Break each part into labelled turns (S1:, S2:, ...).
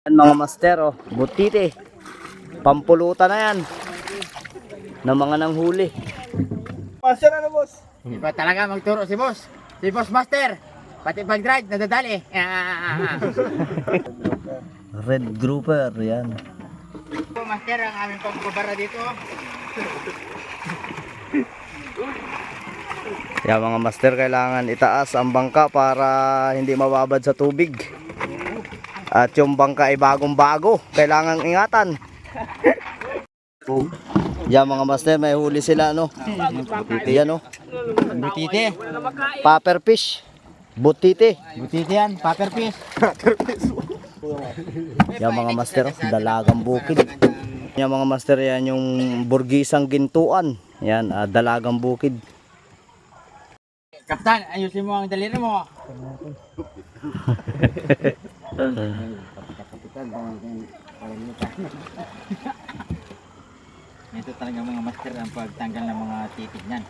S1: Yan mga master, oh, butite. Pampulutan na yan. Ng mga nanghuli.
S2: Master ano boss?
S3: Iba talaga magturo si boss. Si boss master. Pati pag-drive, nadadali.
S1: Red grouper, yan.
S3: Master, ang aming pagbabara dito.
S1: Yan mga master, kailangan itaas ang bangka para hindi mababad sa tubig. At yung bangka ay bagong-bago, kailangan ingatan. Yan mga master, may huli sila, no? Yan, no?
S3: Butite.
S1: Popper fish. Butite.
S3: Butite yan, paper fish.
S1: Yan mga master, oh, dalagang bukid. Yan mga master, yan yung burgisang gintuan. Yan, dalagang bukid.
S3: Kapitan, ayusin mo ang daliri mo. Ito talaga mga master ang pagtanggal ng mga titig niyan.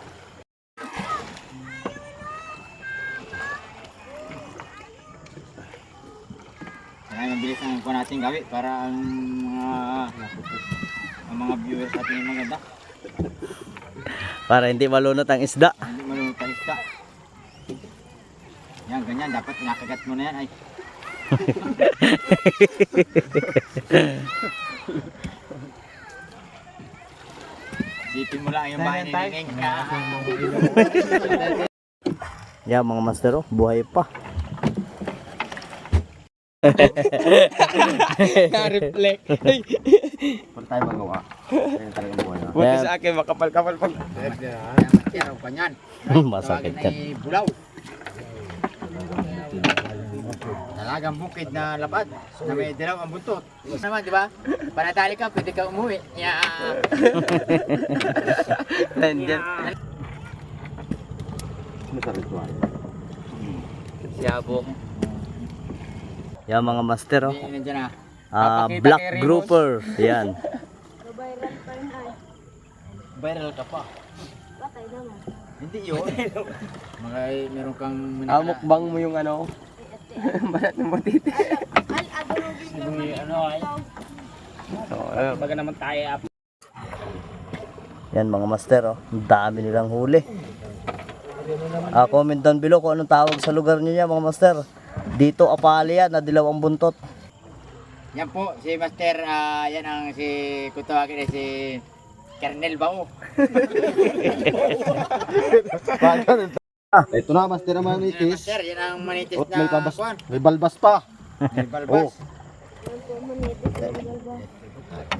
S3: Kaya mabilis ang kuha natin gawin para ang mga viewers natin yung maganda.
S1: Para hindi malunot ang isda.
S3: Hindi marunong tayo isda. Yan, ganyan. Dapat nakagat mo na yan. Ay. Sipin mo lang yung bahay ni Neng.
S1: Yan mga master, oh, buhay pa.
S2: Na-reflect.
S1: Wala tayo magawa. Yan talagang buhay na.
S2: Buti sa akin makapal-kapal pag.
S3: Yan, kanyan.
S1: Masakit
S3: Tawagin
S1: yan.
S3: ay bulaw. Talagang bukid na lapad na may dilaw ang buntot. Gusto naman, di ba? Panatali ka, pwede ka umuwi. Yeah.
S2: Siyabo.
S1: Yan mga master, oh.
S3: Nandiyan na.
S1: Black grouper. Yan.
S3: Viral ka pa. Hindi yun. Meron kang
S2: Mukbang mo yung ano. Balat ng butite.
S3: ano ay.
S2: Baga naman tayo.
S1: Yan mga master, oh. Ang dami nilang huli. Comment down below kung anong tawag sa lugar niyo yan mga master. Dito apali yan, nadilaw ang buntot.
S3: Yan po, si Master, yan ang kung tawagin si Kernel Bao.
S4: Ito na, master ang
S3: Yan,
S4: manitis.
S3: Master, yan ang manitis
S4: At
S3: na
S4: may pabas,
S3: kuwan.
S4: may balbas pa.
S3: May balbas.